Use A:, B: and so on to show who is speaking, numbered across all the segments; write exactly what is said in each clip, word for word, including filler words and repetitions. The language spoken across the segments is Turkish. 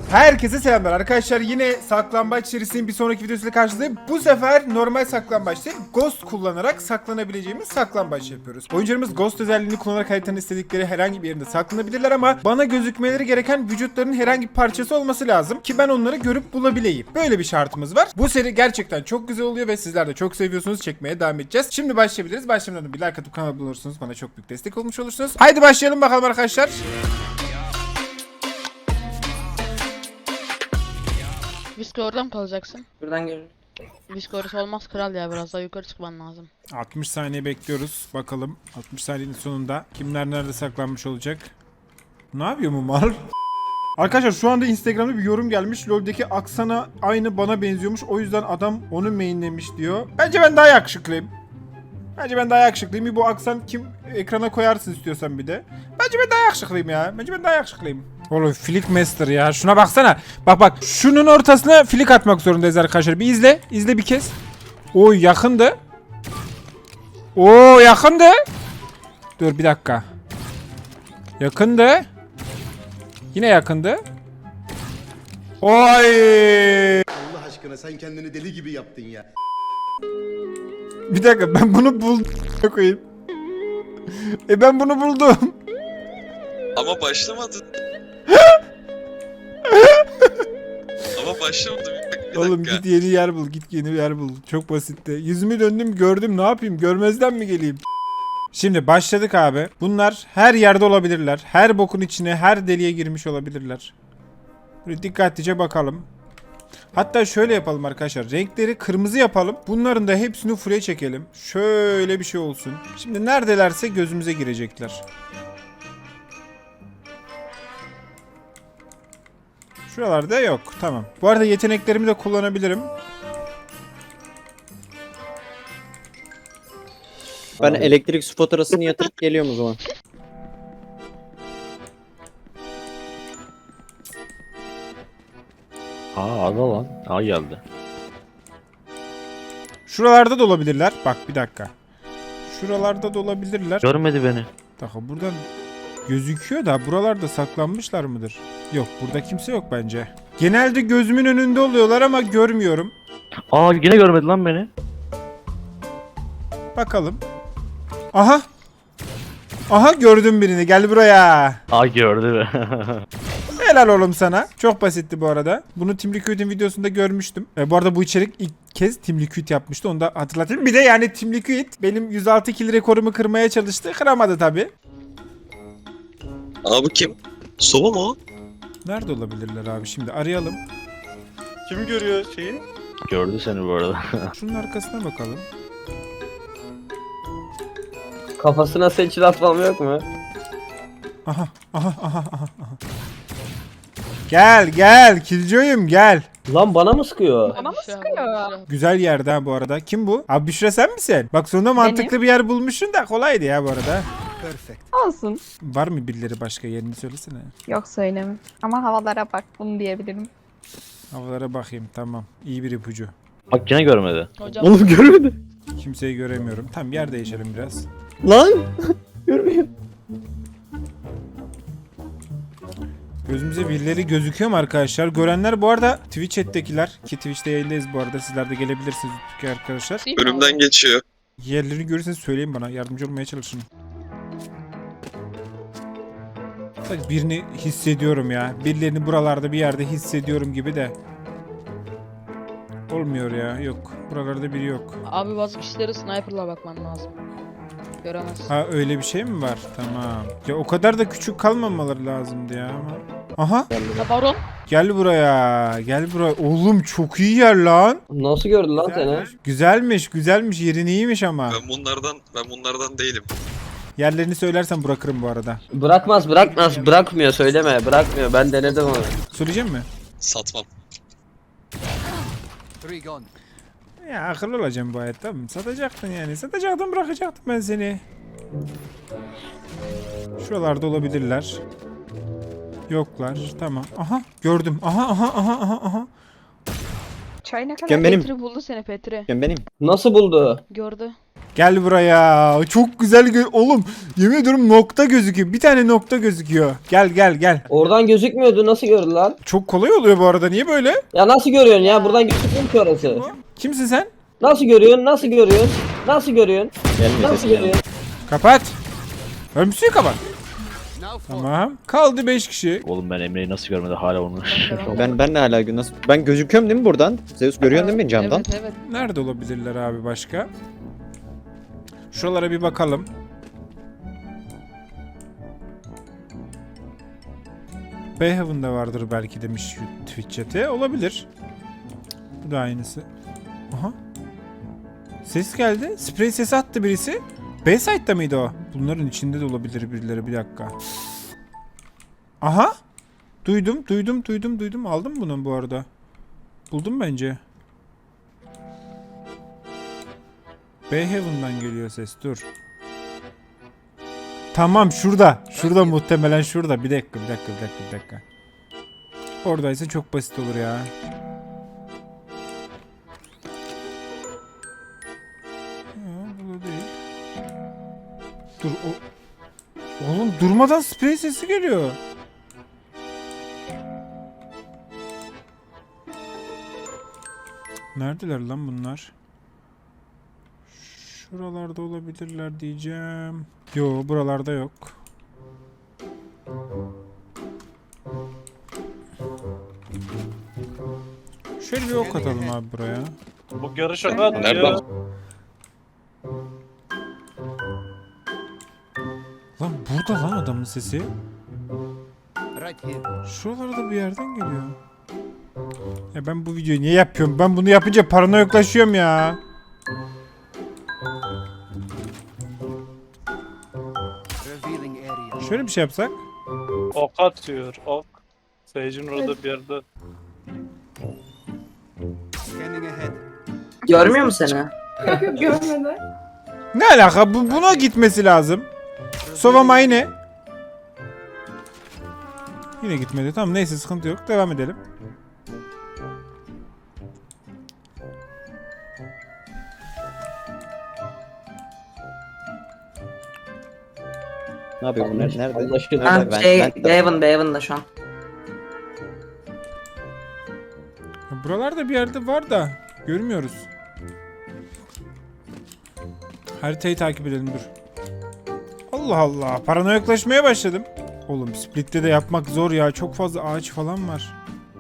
A: Herkese selamlar arkadaşlar. Yine saklambaç serisinin bir sonraki videosuyla karşınızdayım. Bu sefer normal saklambaç değil, Ghost kullanarak saklanabileceğimiz saklambaç yapıyoruz. Oyuncularımız Ghost özelliğini kullanarak haritanın istedikleri herhangi bir yerinde saklanabilirler ama bana gözükmeleri gereken vücutlarının herhangi bir parçası olması lazım ki ben onları görüp bulabileyim. Böyle bir şartımız var. Bu seri gerçekten çok güzel oluyor ve sizler de çok seviyorsunuz. Çekmeye devam edeceğiz. Şimdi başlayabiliriz. Başlamadan önce bir like atıp kanala abone olursunuz. Bana çok büyük destek olmuş olursunuz. Haydi başlayalım bakalım arkadaşlar.
B: Visko orada mı kalacaksın?
C: Buradan görürüm.
B: Visko orası olmaz kral ya, biraz daha yukarı çıkman lazım.
A: altmış saniye bekliyoruz. Bakalım altmış saniyenin sonunda kimler nerede saklanmış olacak? Ne yapıyor bu mal? Arkadaşlar şu anda Instagram'da bir yorum gelmiş. LoL'deki Aksana aynı bana benziyormuş. O yüzden adam onu mainlemiş diyor. Bence ben daha yakışıklıyım. Bence ben daha yakışıklıyım. Bir bu Aksan kim ekrana koyarsın istiyorsan bir de. Bence ben daha yakışıklıyım ya. Bence ben daha yakışıklıyım. Oğlum Flick Master ya. Şuna baksana. Bak bak. Şunun ortasına flick atmak zorundayız arkadaşlar. Bir izle. İzle bir kez. Oy yakındı. Oo yakındı. Dur bir dakika. Yakındı. Yine yakındı. Oy.
D: Allah aşkına sen kendini deli gibi yaptın ya.
A: Bir dakika ben bunu buldum koyayım. E ben bunu buldum.
E: Ama başlamadın. Ama başlamadı. Bir, bir
A: Oğlum
E: dakika.
A: git yeni yer bul, git yeni yer bul. Çok basitti. Yüzümü döndüm gördüm, ne yapayım? Görmezden mi geleyim? Şimdi başladık abi. Bunlar her yerde olabilirler. Her bokun içine, her deliğe girmiş olabilirler. Böyle dikkatlice bakalım. Hatta şöyle yapalım arkadaşlar. Renkleri kırmızı yapalım. Bunların da hepsini full'e çekelim. Şöyle bir şey olsun. Şimdi neredelerse gözümüze girecekler. Şuralarda yok. Tamam. Bu arada yeteneklerimi de kullanabilirim.
C: Ben elektrik su faturasını yatırıp geliyorum o zaman.
F: Aa ada lan. Aa geldi.
A: Şuralarda da olabilirler. Bak bir dakika. Şuralarda da olabilirler.
F: Görmedi beni.
A: Bir dakika buradan gözüküyor da buralarda saklanmışlar mıdır? Yok burada kimse yok bence. Genelde gözümün önünde oluyorlar ama görmüyorum.
F: Aa yine görmedi lan beni.
A: Bakalım. Aha. Aha gördüm birini. Gel buraya.
F: Aa gördü be.
A: Helal oğlum sana. Çok basitti bu arada. Bunu Team Liquid'in videosunda görmüştüm. E, bu arada bu içerik ilk kez Team Liquid yapmıştı. Onu da hatırlatayım. Bir de yani Team Liquid benim yüz altı kill rekorumu kırmaya çalıştı. Kıramadı tabi.
E: Abi kim? Sova mu o?
A: Nerede olabilirler abi? Şimdi arayalım.
G: Kim görüyor şeyi?
F: Gördü seni bu arada.
A: Şunun arkasına bakalım.
C: Kafasına seçil atmam yok mu?
A: Aha, aha, aha, aha, aha. Gel, gel. Killjoy'um gel.
C: Lan bana mı sıkıyor?
B: Bana mı sıkıyor?
A: Güzel yerde ha bu arada. Kim bu? Abi Büşra sen misin? Bak sonunda mantıklı bir yer bulmuşsun da kolaydı ya bu arada.
H: Olsun.
A: Var mı birileri başka, yerini söylesene.
H: Yok söylemem. Ama havalara bak, bunu diyebilirim.
A: Havalara bakayım, tamam. İyi bir ipucu.
F: Bak yine görmedi.
B: Hocam
C: Oğlum görmedi.
A: Kimseyi göremiyorum. Tamam yer değişelim biraz.
C: Lan. Görmüyor.
A: Gözümüze birileri gözüküyor mu arkadaşlar? Görenler bu arada Twitch chat'tekiler ki Twitch'te yayındayız bu arada. Sizler de gelebilirsiniz arkadaşlar.
B: değil mi
E: Önümden
B: abi?
E: geçiyor.
A: Yerlerini görürseniz söyleyin bana. Yardımcı olmaya çalışın. Sanki birini hissediyorum ya. Birilerini buralarda bir yerde hissediyorum gibi de. Olmuyor ya. Yok. Buralarda biri yok.
B: Abi bazı kişilere sniper'la bakman lazım. Göremezsin.
A: Ha öyle bir şey mi var? Tamam. Ya o kadar da küçük kalmamaları lazımdı ya ama. Aha.
B: Ha, baron.
A: Gel buraya. Gel buraya. Oğlum çok iyi yer lan.
C: Nasıl gördü lan seni?
A: Güzelmiş. Güzelmiş. Güzelmiş. Yerin iyiymiş ama.
E: Ben bunlardan ben bunlardan değilim.
A: Yerlerini söylersen bırakırım bu arada.
C: Bırakmaz bırakmaz bırakmıyor söyleme bırakmıyor ben denedim onu.
A: Söyleyeceğim mi?
E: Satmam.
A: Ya akıllı olacağım bu hayatta. Satacaktın yani. Satacaktın, bırakacaktım ben seni. Şuralarda olabilirler. Yoklar. Tamam. Aha gördüm. Aha aha aha aha aha.
H: Çay ne kadar?
C: Gel benim.
B: Petri buldu seni, Petri.
C: Ben benim. Nasıl buldu?
B: Gördü.
A: Gel buraya. Çok güzel gö oğlum. Yemin ediyorum nokta gözüküyor. Bir tane nokta gözüküyor. Gel gel gel.
C: Oradan gözükmüyordu, nasıl gördü lan?
A: Çok kolay oluyor bu arada. Niye böyle?
C: Ya nasıl görüyorsun ya? Buradan gözükmüyor ki orası.
A: Kimsin sen?
C: Nasıl görüyorsun? Nasıl görüyorsun? Nasıl görüyorsun?
F: Gelmiyor
C: Nasıl
F: sesin gelmiyor.
C: görüyorsun?
A: Kapat. Ölmüşsün kapat. Tamam. Kaldı beş kişi.
F: Oğlum ben Emre'yi nasıl görmedi hala onu.
I: Ben ben de hala gün nasıl ben gözüküyorum değil mi buradan? Zeus görüyorsun değil mi beni camdan?
B: Evet evet.
A: Nerede olabilirler abi başka? Şuralara bir bakalım. Bayhaven'da vardır belki demiş şu Twitch chat'e. Olabilir. Bu da aynısı. Aha. Ses geldi. Sprey sesi attı birisi. B-side'da mıydı o? Bunların içinde de olabilir birileri. Bir dakika. Aha. Duydum, duydum, duydum, duydum. Aldım bunu bu arada. Buldum bence. Bayhaven'dan geliyor ses. Dur. Tamam şurada. Şurada muhtemelen şurada. Bir dakika, bir dakika, bir dakika, bir dakika. Oradaysa çok basit olur ya. Ha, bu da değil. Dur o... Oğlum durmadan sprey sesi geliyor. Neredeler lan bunlar? Şuralarda olabilirler diyeceğim. Yo, buralarda yok. Şöyle bir ok atalım abi buraya.
G: Bu yarı şaka atıyor.
E: Nereden?
A: Lan burada lan adamın sesi. Şuralarda bir yerden geliyor. Ya ben bu videoyu niye yapıyorum? Ben bunu yapınca paranoyaklaşıyorum ya. Şöyle bir şey yapsak.
G: Ok atıyor, ok. Sage'in orada bir yerde.
C: Görmüyor musun seni?
H: Görmedi.
A: Ne alaka? Bu, buna gitmesi lazım. Sova yine. Yine gitmedi. Tamam neyse sıkıntı yok. Devam edelim.
I: Ne yapıyor bunlar? Nerede?
C: Anlaşıldı.
I: Nerede?
C: Ha,
I: Ben-
C: şey,
I: ben-
C: Bevan, Bevan'da şu an.
A: Ya buralarda bir yerde var da görmüyoruz. Haritayı takip edelim dur. Allah Allah. Paranoyaklaşmaya başladım. Oğlum Split'te de yapmak zor ya. Çok fazla ağaç falan var.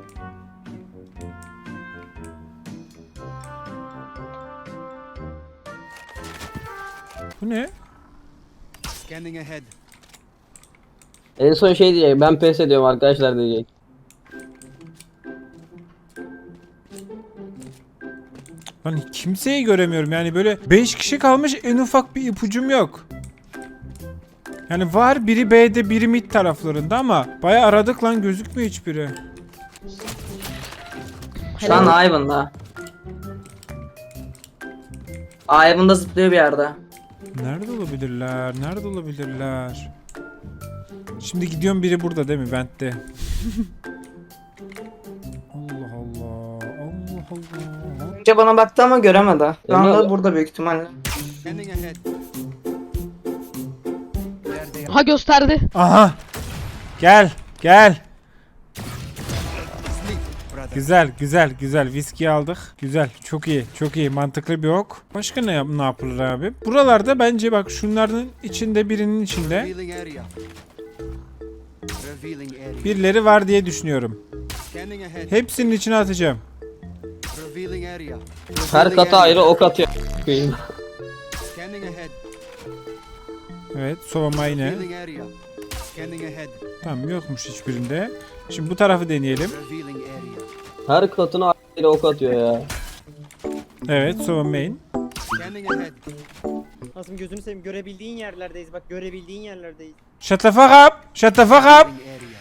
A: Bu ne?
C: En son şey diyecek, ben pes ediyorum arkadaşlar diyecek.
A: Lan kimseyi göremiyorum yani böyle beş kişi kalmış en ufak bir ipucum yok. Yani var biri B'de biri mid taraflarında ama bayağı aradık lan gözükmüyor hiçbiri.
C: Şu an Ivan'da. Ivan'da zıplıyor bir yerde.
A: Nerede olabilirler? Nerede olabilirler? Şimdi gidiyorum biri burada değil mi? Vent'te. Allah Allah. Allah Allah.
C: Önce bana baktı ama göremedi. Şu
E: Emre
C: anda
E: abi.
C: burada büyük ihtimalle.
B: Ha gösterdi.
A: Aha. Gel. Gel. Güzel, güzel, güzel. Viski aldık. Güzel, çok iyi, çok iyi. Mantıklı bir ok. Başka ne, yap ne yapılır abi? Buralarda bence bak şunların içinde birinin içinde birileri var diye düşünüyorum. Hepsinin içine atacağım.
C: Her kata ayrı ok atıyor.
A: Evet, Sova yine. Tamam yokmuş hiçbirinde. Şimdi bu tarafı deneyelim.
C: Her katına ayrı ok atıyor ya.
A: Evet, Sova main.
J: Nasıl gözünü seveyim, görebildiğin yerlerdeyiz, bak görebildiğin yerlerdeyiz.
A: Shut the fuck up! Shut the fuck up!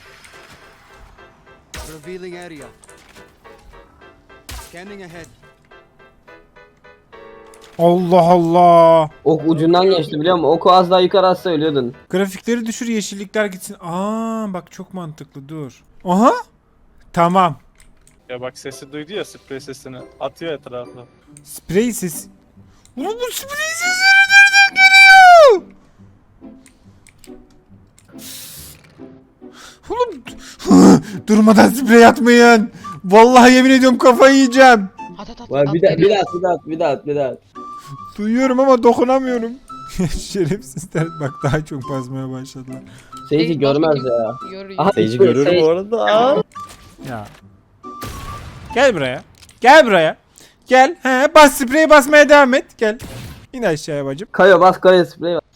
A: Allah Allah!
C: Ok ucundan geçti biliyor musun? Oku az daha yukarı atsa ölüyordun.
A: Grafikleri düşür, yeşillikler gitsin. Aa, bak çok mantıklı. Dur. Aha! Tamam.
G: Ya bak sesi duydu ya, sprey sesini. Atıyor etrafa.
A: Sprey ses. Oğlum bu sprey sesleri nereden geliyor? Oğlum durmadan sprey atmayın. Vallahi yemin ediyorum kafayı yiyeceğim.
B: At at at.
C: Var
B: at,
C: bir daha bir
B: geliyor.
C: daha bir daha bir daha bir daha.
A: Duyuyorum ama dokunamıyorum. Şerefsizler bak daha çok basmaya başladılar.
C: Seyirci
B: Ey, bas
C: görmez
B: bakayım.
C: ya.
B: Görüyor.
C: Aha,
I: Seyirci
C: Sage-
I: görür bu arada.
A: Ya. Gel buraya. Gel buraya. Gel. He, bas spreyi basmaya devam et. Gel. İn aşağıya bacım.
C: Kayo bas kayo sprey var.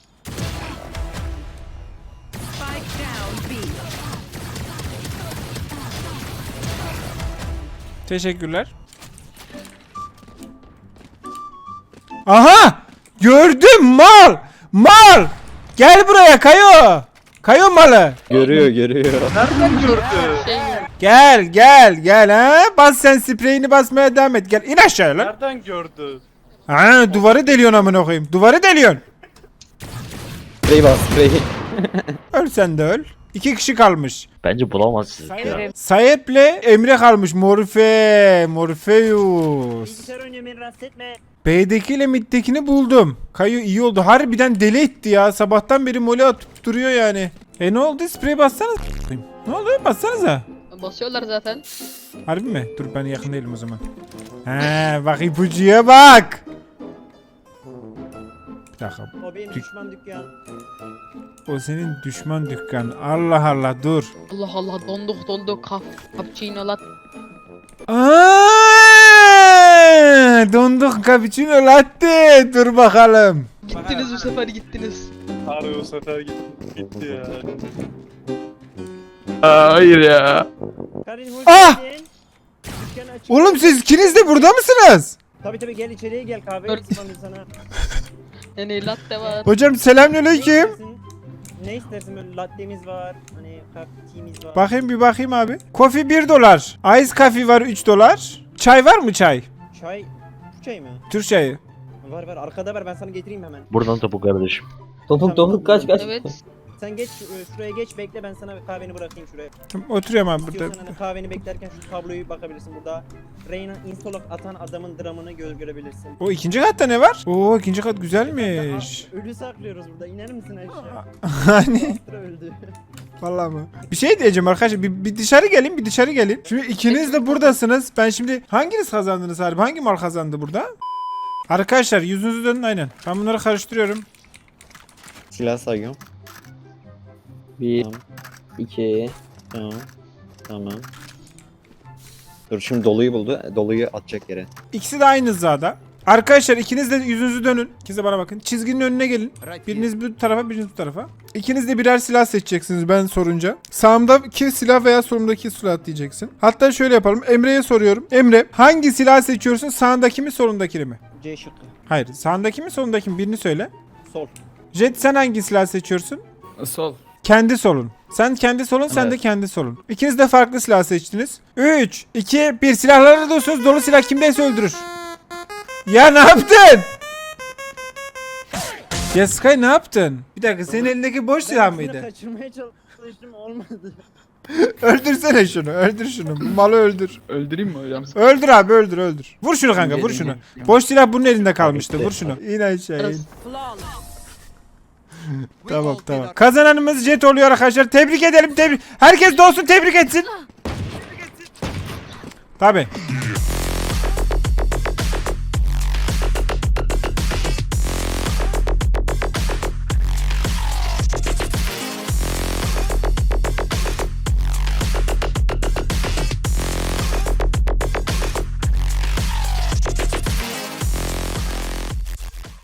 A: Teşekkürler. Aha! Gördüm mal! Mal! Gel buraya Kayo! Kayo malı!
I: Görüyor görüyor.
G: Nereden gördü?
B: Şey
A: Gel gel gel ha! Bas sen spreyini basmaya devam et. Gel in aşağıya lan.
G: Nereden gördü?
A: Ha duvarı deliyorsun amına koyayım. Duvarı deliyorsun.
I: Sprey bas sprey.
A: Öl sen de öl. İki kişi kalmış.
F: Bence bulamazsınız ya.
A: Sayep'le Emre kalmış. Morfe, Morpheus.
J: Bilgisayar oynuyor beni rahatsız etme.
A: B'deki ile mid'dekini buldum. Kayo iyi oldu. Harbiden deli etti ya. Sabahtan beri mole atıp duruyor yani. E ne oldu? Sprey bassanız. Ne oldu? Bassanıza.
B: basıyorlar zaten.
A: Harbi mi? Dur ben yakın değilim o zaman. He bak ipucuya bak. Bir dakika.
J: O benim
A: Dük-
J: düşman dükkan.
A: O senin düşman dükkan. Allah Allah dur.
B: Allah Allah donduk donduk kaf. Cappuccino lat.
A: Aa, donduk cappuccino latte. Dur bakalım.
B: Gittiniz bu sefer gittiniz.
G: Harbi o sefer gitti, gitti ya.
F: Hayır ya.
J: Karin hoş
A: Ah!
J: geldin. Dükkan açık.
A: Oğlum siz ikiniz de burada mısınız?
J: Tabii tabii gel içeriye gel kahve
B: Dört-
J: ısmarlayayım sana.
B: Yani latte var.
A: Hocam
J: Ne
A: selamünaleyküm.
J: istersin? Ne istersin böyle latte'miz var. Hani cappuccino'miz var.
A: Bakayım bir bakayım abi. Kofi bir dolar. Ice coffee var üç dolar. Çay var mı çay?
J: Çay. Bu çay mı?
A: Türk çayı.
J: Var var arkada ver ben sana getireyim hemen.
F: Buradan topu kardeşim.
C: Topuk topuk kaç kaç.
B: Evet.
J: Sen geç şu- şuraya geç bekle ben sana kahveni bırakayım şuraya.
A: Tamam, oturuyorum abi burada.
J: İstiyorsan hani kahveni beklerken şu tabloyu bakabilirsin burada. Reyna instalok atan adamın dramını gö görebilirsin.
A: O ikinci katta ne var? Oo ikinci kat güzelmiş.
J: Aa, ölü saklıyoruz burada. İner misin aşağı?
A: Hani
J: Astra öldü.
A: vallahi mı? Bir şey diyeceğim arkadaşlar. Bir, bir dışarı gelin, bir dışarı gelin. Şimdi ikiniz de buradasınız. Ben şimdi hanginiz kazandınız harbi? Hangi mal kazandı burada? Arkadaşlar yüzünüzü dönün aynen. Ben bunları karıştırıyorum.
I: Silah sayıyorum.
C: Bir,
I: Tamam.
C: iki.
I: Tamam. Tamam. Dur şimdi doluyu buldu. Doluyu atacak yere.
A: İkisi de aynı hizada. Arkadaşlar ikiniz de yüzünüzü dönün. İkiniz de bana bakın. Çizginin önüne gelin. Biriniz bu tarafa, biriniz bu tarafa. İkiniz de birer silah seçeceksiniz ben sorunca. Sağımdaki silah veya solumdaki silah diyeceksin. Hatta şöyle yapalım. Emre'ye soruyorum. Emre hangi silah seçiyorsun? Sağındaki mi, solundaki mi?
J: C şıkkı.
A: Hayır. Sağındaki mi, solundaki mi? Birini söyle.
J: Sol.
A: Jet sen hangi silah seçiyorsun?
K: Sol.
A: Kendi solun. Sen kendi solun, sen de
K: Evet.
A: kendi solun. İkiniz de farklı silah seçtiniz. üç, iki, bir. Silahları diyorsunuz. Dolu silah kimdeyse öldürür. Ya ne yaptın? Ya Sky ne yaptın? Bir dakika senin elindeki boş silah
J: Ben
A: mıydı?
J: şunu kaçırmaya çalıştım olmadı.
A: Öldürsene şunu, öldür şunu. Bu malı öldür.
K: Öldüreyim mi hocam?
A: Öldür abi, öldür, öldür. Vur şunu kanka, vur şunu. Boş silah bunun elinde kalmıştı. Vur şunu. İn aşağı in. Tamam tamam. Kazananımız Jet oluyor arkadaşlar. Tebrik edelim, tebrik. Herkes de olsun tebrik etsin. Tabi.